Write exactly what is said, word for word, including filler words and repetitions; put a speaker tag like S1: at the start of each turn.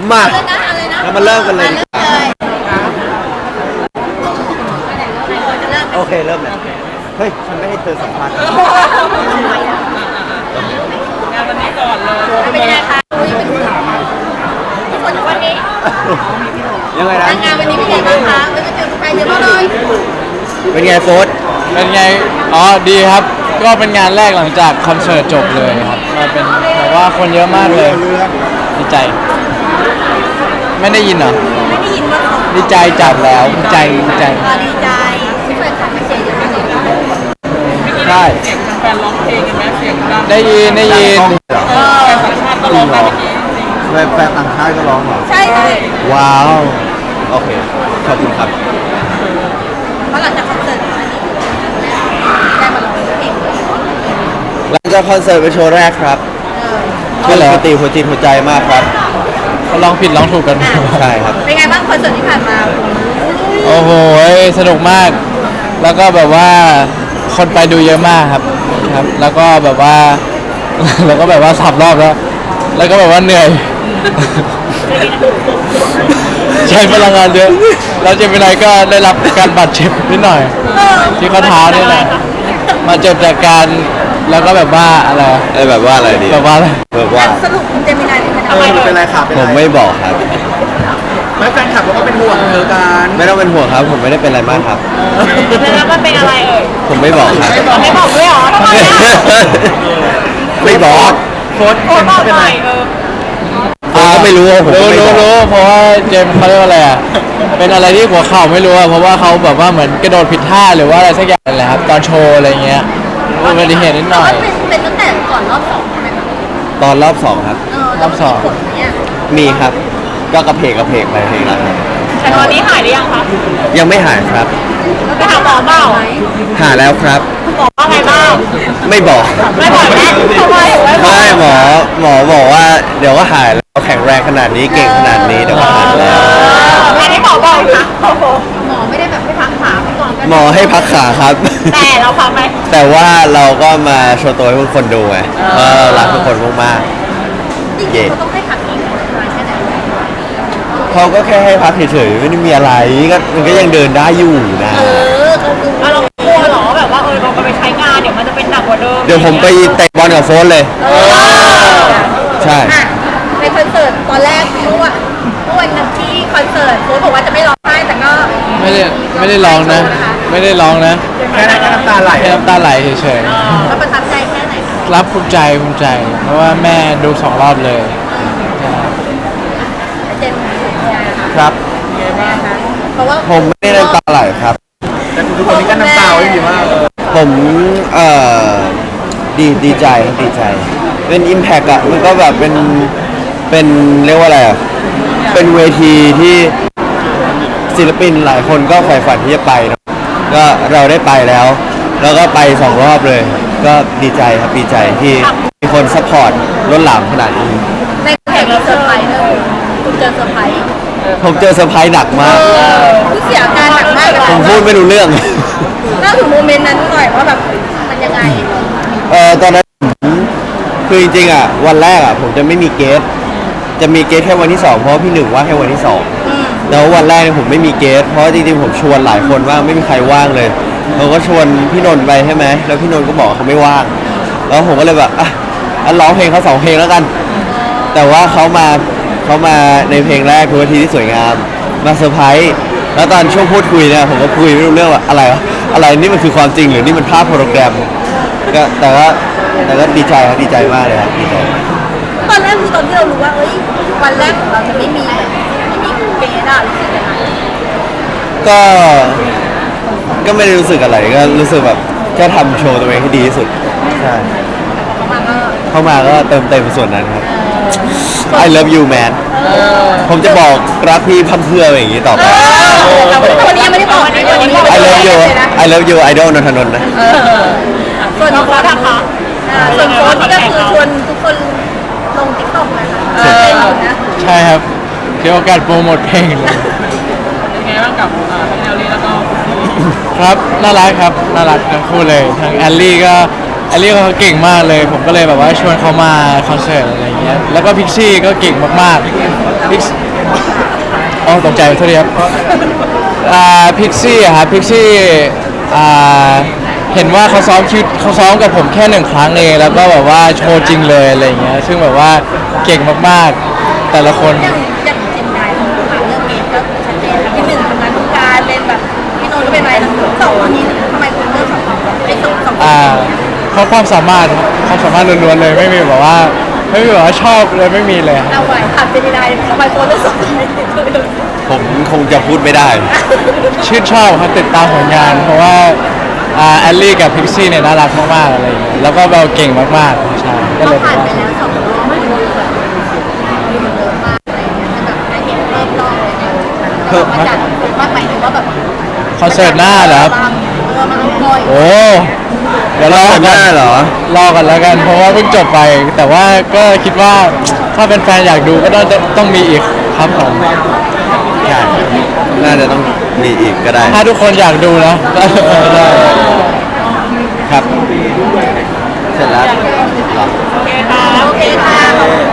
S1: มา
S2: เลยนะอะไรนะ
S1: แล้วมาเริ่มกันเลย
S2: เริ่มเลย
S1: โอเคเริ่มเลยเฮ้ยฉันไม่ให้เธอสัมภาษณ์
S3: งานวันนี้ก่อนเลย
S2: เป็นยังไงคะคุยเป็นคนวันนี้
S1: ยังไงนะ
S2: งานวันนี้เป็นยังไงบ้างคะไม่ได้เจอใครเยอะมากเลย
S1: เป็นไงโฟส
S4: เป็นไง อ๋อ ดีครับ ก็เป็นงานแรกหลังจากคอนเสิร์ตจบเลยครับ มาเป็นแบบว่าคนเยอะมากเลย ดีใจ ไม่ได้ยินเหรอ
S2: ไม่ได้ยินว่าเขา
S4: ดีใจจัดแล้ว ดีใจ ดีใจ
S2: ดีใจที่เปิดขับมาเชียร์เยอะมากเลย
S4: ใช่
S3: เสียงแฟนร้องเพลงกันไหมเสียงดัง
S4: ได้ยิน ได้ยิน
S3: แฟนต่างชาติก็ร้องกันเมื่อกี้
S1: แฟนแฟนต่างชาติก็ร้องเหรอ
S2: ใช่ใช่
S1: ว้าว โอเค ขอบคุณครับ
S2: เพราะหลังจากคอนเสิร์ตอันนี้ได้มาร้องเพลง
S1: หลังจากคอนเสิร์ตเป็นโชว์แรกครับ
S4: ใช่เหรอ
S1: ปกติหัวจิตหัวใจมากครับ
S4: เขาลองผิดลองถูกกัน
S1: ใช่ครับ
S2: เป็นไงบ้างคอนเสิร์ตที่ผ่านมา
S4: โอ้โห สนุกมาก แล้วก็แบบว่า คนไปดูเยอะมากครับ ครับ แล้วก็แบบว่า แล้วก็แบบว่าสับรอบแล้ว แล้วก็แบบว่าเหนื่อย ใช้พลังงานเยอะ แล้วเจมินายก็ได้รับการบาดเจ็บนิดหน่อย ที่ข้อเท้านี่แหละมาเจ็บจากการแล้วก็แบบว่าอะไร
S1: เอ้ยแบบว่าอะไรดี
S4: แบบว่าอะไร
S1: แบบว่า
S2: สรุปคุณเจมินายเป็น
S1: เออเป็นไรครับผมไม่บอกครับ
S3: ไม่แฟนคลับก็เป็นห่วงเธอกัน
S1: ไม่ต้องเป็นห่วงครับ ผมไม่ได้เป็นอะไรมากครับ
S2: แล้วมันเป็นอะไรเอ่ย
S1: ผมไม่บอกครับ
S2: ไม่บอกด้วยเหรอทำไมอ่ะ
S1: ไม่บอก
S3: โฟนเป็นเป็นไร
S1: ผมก็ไม่รู้ผมก็
S4: รู้
S1: ไม่
S4: รู้
S1: บอก
S4: รู้เพราะว่าเจมส์เขาเรียกว่าอะไรอ่ะ เป็นอะไรที่หัวเข่าไม่รู้อ่ะ เพราะว่าเขาแบบว่าเหมือนกระโดดผิดท่าหรือว่าอะไรสักอย่างนั่นแหละครับ ตอนโชว์อะไรเงี้ยอุบัติเหตุนิดหน่อย
S2: เป็นเป็นตั้งแต่ก่อนรอบสองใช่ไหมคะ
S1: ตอนรอบสองครับ
S2: เออ
S4: รอบสอง
S2: ผลเนี่ย
S1: มีครับ ก็กระเพกกระเพกไปเพลงละครับ
S2: แต่ตอนนี้หายหรือยังคะ
S1: ยังไม่หายครับ
S2: แล้วไปหาหมอเปล่า
S1: หาแล้วครับ
S2: หมอว่าไงบ้าง
S1: ไม่บอก
S2: ไม่บอกแม่ทำไมไม่บอก
S1: ไม่หมอหมอบอกว่าเดี๋ยวก็หายแล้วแข็งแรงขนาดนี้เก่งขนาดนี้เดี๋ยวก็หายแล้ว
S2: อันนี้หมอบอกค่ะหมอไม่ได้แบบให้พักขาไปก่อนกัน
S1: หมอให้พักขาครับ
S2: แต่เราพักไหม
S1: แต่ว่าเราก็มาโชว์ตัวให้ทุกคนดูไงว่าเรารักทุกคนมาก
S2: จริงๆเขาต้องให้พักอีกนานแค่ไหน
S1: ๆเขาก็แค่ให้พักเฉยๆไม่ได้มีอะไรก็มันก็ยังเดินได้อยู่นะ
S2: เออเขาคือเรากลัวเหรอแบบว่าเออเราไปใช้งานเดี๋ยวมันจะเป็นหนักกว่าเดิม
S1: เดี๋ยวผมไปเตะบอลกับโฟนเลย
S2: เออ
S1: ใช่
S2: อ่ะในคอนเสิร์ตตอนแรกเมื่อวันเมื่อวันนั้นที่คอนเสิร์ตโค้ชบอกว่าจะไม่ร้องไห้แต่ก็
S4: ไม่ได้ไม่ได้ร้องนะ ไม่ได้ร้องนะ
S3: แค่นั้นก็น้ำตาไหล
S4: แค่น้ำตาไหลเฉย
S2: แล้วประทับใจแค่ไหนคะ
S4: ๆ รับภูมิใจภูมิใจ เพราะว่าแม่ดูสองรอบเลย
S2: เจนเป็นไงคะ
S1: ครับ
S2: เพราะว่า
S1: ผมไม่ได้น้ำตาไหลครับ
S3: แต่ทุกคนนี้ก็น้ำตาไว้ดีมาก
S1: ผมเอ่อดีดีใจครับดีใจ เป็น Impact อะมันก็แบบเป็นเป็นเรียกว่าอะไรอะเป็นเวทีที่ศิลปินหลายคนก็ใฝ่ฝันที่จะไปเนอะก็เราได้ไปแล้ว แล้วก็ไปสองรอบเลย ก็ดีใจครับดีใจที่มีคนซัพพอร์ตล้นหลามขนาดนี้
S2: ในแข่งเราเซอร์ไพรส์เลยคุณเจอเซอร์ไพรส์
S1: ผมเจอเซอร์ไพรส์หนักมาก
S2: คุณเสียอาการหนักมากเลย
S1: ผมพูดไม่รู้เรื่อง
S2: เล่าถึงโมเมนต์นั้นหน่อยว่าแบบมันยังไง
S1: เออตอนนั้นผมคือจริงๆอ่ะวันแรกอ่ะผมจะไม่มีเกสจะมีเกสแค่วันที่สองเพราะว่าพี่หนึ่งว่าแค่วันที่สองแล้ววันแรกเนี่ยผมไม่มีเกสเพราะจริงๆผมชวนหลายคนว่างไม่มีใครว่างเลยเราก็ชวนพี่นนท์ไปใช่ไหมแล้วพี่นนท์ก็บอกว่าเขาไม่ว่างแล้วผมก็เลยแบบอ่ะอันร้องเพลงเขาสองเพลงแล้วกัน แต่ว่าเขามาเขามาในเพลงแรกคือวันที่ที่สวยงามมาเซอร์ไพรส์แล้วตอนช่วงพูดคุยเนี่ยผมก็คุยไม่รู้เรื่องว่าอะไรวะอะไรนี่มันคือความจริงหรือนี่มันภาพโปรแกรมก็แต่ว่าแต่ก็ดีใจครับดีใจมากเลยครับดีใจ
S2: ตอนแรกคือตอนที่เรารู้ว่าเอ้ยวันแรกของเราจะไม่มีไม่มีเกสอะรู้สึกยังไง
S1: ก็ก็ไม่ได้รู้สึกอะไรก็รู้สึกแบบแค่ทำโชว์ตัวเองให้ดีที่สุดใช่
S2: เขามาก็
S1: เข้ามาก็เติมเต็มส่วนนั้นครับ I love you man ผมจะบอกรักพี่พัมเพื่ออย่างนี้ต่อไป
S2: แต่วันนี้ยังไม่ได้บอกนะวันนี้บอก
S1: I love you I love you idol นนทนนท์นะ
S2: ส่วนโค้ชนะคะส่วนโค้ชนี่ก็คือชวนทุกคนลงติ๊กต็อกนะคะเต้นอยู่นะ
S4: ใช่ครับเดี๋ยวโอกาสโปรโมทเพลงเลย
S3: เป็นไงบ้างกับอ่าทั้งแนวนี้แล้วก็
S4: ครับน่ารักครับน่ารักทั้งคู่เลยทั้งแอลลี่ก็แอลลี่ก็เขาเก่งมากเลย ผมก็เลยแบบว่าชวนเขามาคอนเสิร์ตอะไรอย่างเงี้ยแล้วก็พิกซี่ก็เก่งมากๆพิกอตกใจโทษทีครับอ่าพิกซี่อะครับพิกซี่อ่าเห็นว่าเขาซ้อมคิวเขาซ้อมกับผมแค่หนึ่งครั้งเองแล้วก็แบบว่าโชว์จริงเลยอะไรอย่างเงี้ยซึ่งแบบว่าเก่งมากๆแต่ละคน
S2: อย่างอย่างเจนนายของผ่านเรื่องเกมก็ชัดเจนแล้วที่หนึ่งทำงานทุกการเป็นแบบพี่โนนก็เป็นอะไรทั้งสองคนนี้ทำไมคุณเลือกสองคนไอ้สองสองคน
S4: อ่าเพราะความสามารถครับความสามารถล้วนๆเลยไม่มีแบบว่าไม่มีแบบว่าชอบเลยไม่มีเลยครับ
S2: เราไหวผ่านเจนนายทำไมคุณเลือกสองคนนี้
S1: ผมคงจะพูดไม่ได้
S4: ชื่นชอบครับติดตามผลงาน เพราะว่าอ่าแอลลี่กับพิกซี่เนี่ยน่ารักมากๆอะไรอย่างเงี้ยแล้วก็เบลเก่งมากๆใช่ก็
S2: เรา
S4: เลย
S2: ผ่านไปแล้วสองรอบมันดูแบบดูเยอะมากอะไรอย่างเงี้ยแบบได้เห็นเพิ่มรอบเลยเนี่ยเรามาจัดว่าหมายถึงว่าแบบ
S4: คอนเสิร์ตหน้าเหรอครับ
S2: เออมันต้องคอย
S4: โอ้เดี๋ยวรอ
S1: คอนเสิร์ตหน้าเหรอ
S4: รอกันแล้วกัน เพราะว่าเพิ่งจบไป แต่ว่าก็คิดว่าถ้าเป็นแฟนอยากดูก็ต้องต้องมีอีกครับผม
S1: ใช่น่าจะต้องมีอีกก็ได้
S4: ถ้าทุกคนอยากดูนะ ได้
S1: ครับ เสร็จแล้วเหรอ
S2: โอเคค่ะขอบคุณ